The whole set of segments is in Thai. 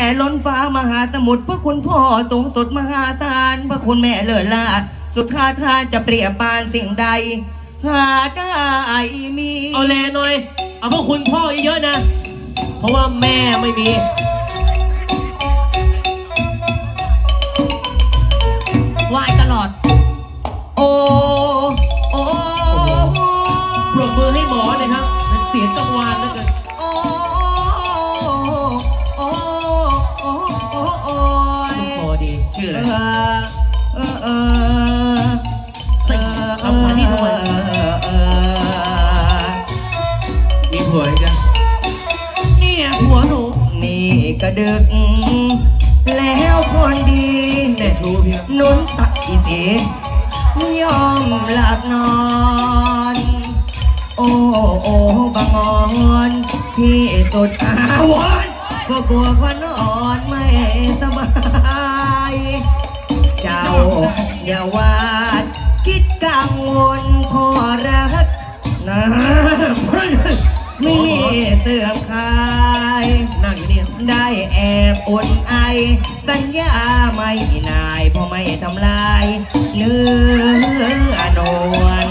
ล้นฟ้ามหาสมุทรพระคุณพ่อสูงสุดมหาศาลพระคุณแม่เลิศล่าสุดท้าทานจะเปรียบปานสิ่งใดหาได้มีเอาแลหน่อยเอาพวกคุณพ่อเยอะๆนะเพราะว่าแม่ไม่มีไหว้ตลอดโอ้โอ้ปรบมือให้หมอเลยครับเสียงกังวานแล้วกันโอ้โอ้โอ้โอ้โอ้พอดีชื่ออะไรสิ่งคำพันที่ทำไมมีผัวอีกจ้ะนี่หัวหนูนี่ก็ดึกแล้วคนดีแม่ชูพี่นุ่นตักอีเสียนิยมหลับนอนโอ้โอ้บางอ่อนที่สุดอาวรก็กลัวควันอ่อนไม่สบายเจ้าอย่าวาดคิดกังวลพอรักนะไม่มีเสื่อมคลายนั่งอยู่นี่ได้แอบอุ่นไอสัญญาไม่นายเพราะไม่ทำลายเนื้อนวล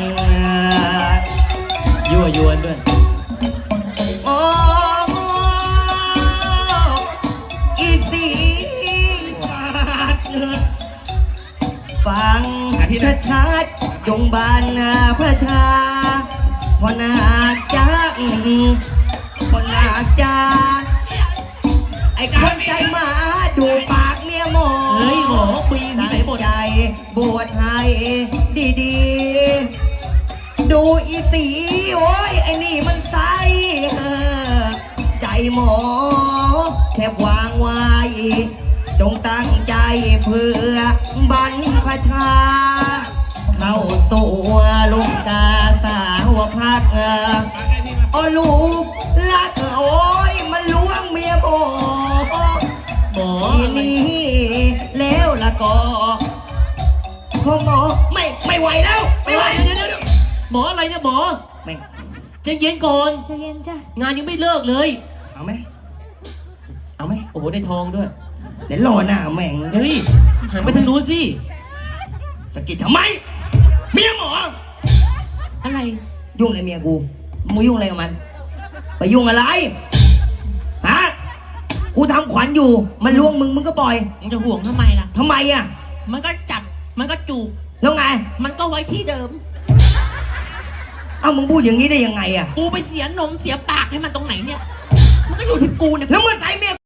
ยั่วยวนด้วยโอ้อีสีสัตว์ฟังชัดๆจงบานพระชาพอนาจักพอนาจาไอ้คนใจหมาดูปากเมียหมอเฮ้ยหมอปีนที่ไหนหมดใจบวชให้ดีๆดูอีสีโอ้ยไอ้นี่มันใสใจหมอแทบวางไว้จงตั้งใจเพื่อบรรพชาเข้าสู่ลูกกาสาวพักโอ้ลูกลักโอ้ยมันล้วงเมียหมอทีนี้แล้วละก็พ่อหมอไม่ไหวแล้วไม่ไหวเดี๋ยวหมออะไรเนี่ยหมอไม่ใจเย็นก่อนใจเย็นจ้ะงานยังไม่เลิกเลยเอาไหมเอาไหมโอ้โหได้ทองด้วยเดี๋ยวรอหน้าแม่งเฮ้ยหันไปทางนู้นสิสกิดทำไมเมียหมออะไรยุ่งอะไรเมียกูมึงยุ่งอะไรกับมันไปยุ่งอะไรฮะกูทำขวัญอยู่มันล่วงมึงก็ปล่อยมึงจะห่วงทำไมล่ะทำไมอ่ะมันก็จับมันก็จูบแล้วไงมันก็ไว้ที่เดิมเอ้ามึงพูดอย่างนี้ได้ยังไงอ่ะกูไปเสียนมเสียปากให้มันตรงไหนเนี่ยมันก็อยู่ที่กูเนี่ยแล้วมึงใส่เมีย